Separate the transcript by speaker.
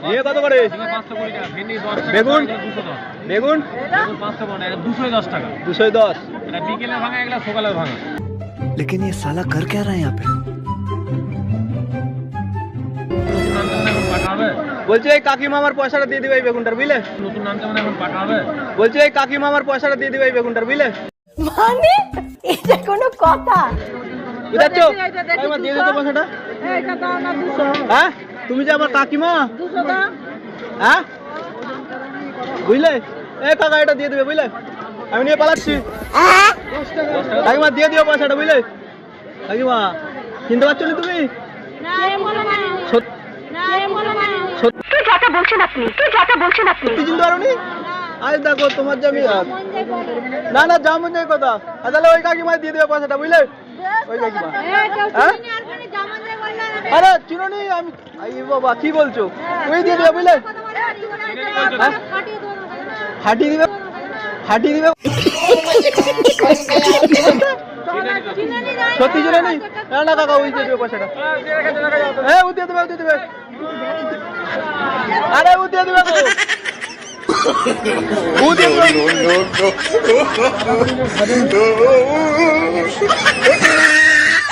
Speaker 1: নিয়ে কত করে? বেগুন বেগুন
Speaker 2: 210 টাকা।
Speaker 1: 210।
Speaker 2: এটা বিকেলে ভাঙা, এগুলা সকালে ভাঙা।
Speaker 3: लेकिन ये साला कर क्या रहा है यहाँ पे?
Speaker 1: বলছি এই কাকিমা আমার পয়সাটা দিয়ে দিবে এই বেগুনটার, বুঝলে?
Speaker 2: নতুন নাম যেমন এখন পাকা হবে।
Speaker 1: বলছি এই কাকিমা আমার পয়সাটা দিয়ে দিবে এই বেগুনটার, বুঝলে?
Speaker 4: মানে এটা কোনো কথা?
Speaker 1: বুঝাচ্ছ? কাকিমা দিয়ে দিতে পয়সাটা।
Speaker 4: এটা দাও না 200।
Speaker 1: হ্যাঁ, তুমি যে আমার কাকিমা।
Speaker 4: 200 দাও।
Speaker 1: হ্যাঁ, বুঝলে? এ কাকা এটা দিয়ে দিবে, বুঝলে? আমি নিয়ে পালাচ্ছি। কাকিমা দিয়ে দিও পয়সাটা, বুঝলে? কাকিমা চিনতে পারছো না তুমি? সত্যি চিনতে পারোনি? আজ দেখো তোমার যে আমি না না যেমন যে কথা, তাহলে ওই কাকিমা দিয়ে দেবে পয়সাটা, বুঝলে? ওই কাকিমা। হ্যাঁ, আরে চিনোনি আমি? আই বাবা কি বলছো? ওই দিয়ে দেবে, বুঝলে? ফাটিয়ে দিবে, ফাটিয়ে দিবে। সত্যি চিনে নেই? না না কাকা ওই দিয়ে দেবে পয়সাটা। হ্যাঁ ও দিয়ে দেবে, ও দিয়ে দেবে। আরে ও দিয়ে দেবে, ও দিয়ে দেবে।